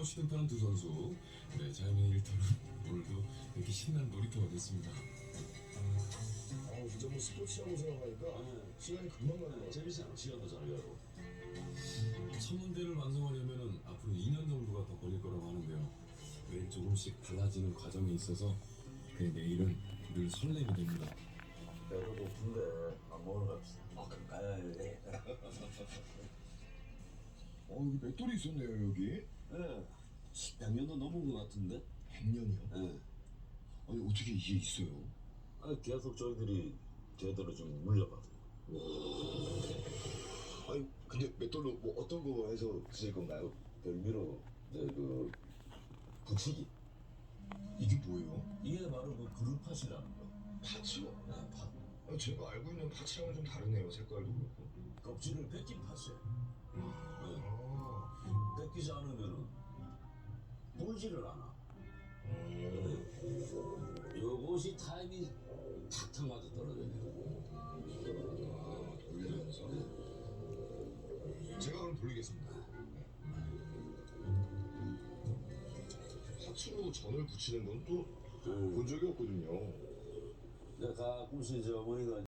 등판한 두 선수. 네, 자연의 일터는 오늘도 이렇게 신나는 놀이터가 됐습니다. 진짜 뭐 스포츠라고 생각하니까 시간이 금방 가는 것 같아요. 재밌어요. 시간도 잘 가고. 천문대를 완성하려면 앞으로 2년 정도가 더 걸릴 거라고 하는데요. 매일 조금씩 달라지는 과정에 있어서 그 내일은 늘 설렘이 됩니다. 배도 고픈데 밥 먹으러 갑시다. 네. 여기 맷돌이 있었네요, 여기. 네. 100년도 넘은 것 같은데? 100년이요? 네. 아니, 어떻게 이게 있어요? 계속 저희들이 제대로 좀 물려받아요. 아니, 근데 맷돌로 뭐 어떤 거 해서 쓰실 건가요? 별미로 그 붙이기. 이게 뭐예요? 이게 바로 그 그루팟이라는 거. 파츠요? 네, 팥. 제가 알고 있는 파츠랑은 좀 다르네요, 색깔도 그렇고. 껍질을 벗긴 팥이에요. 아, 벗기지 않으면은 불지를 않아. 요것이 타임이 탁탁 맞아 떨어져요. 돌리면서. 제가 그럼 돌리겠습니다. 파츠로 전을 붙이는 건 또 본 적이 없거든요. 내가 가끔씩 이제 어머니가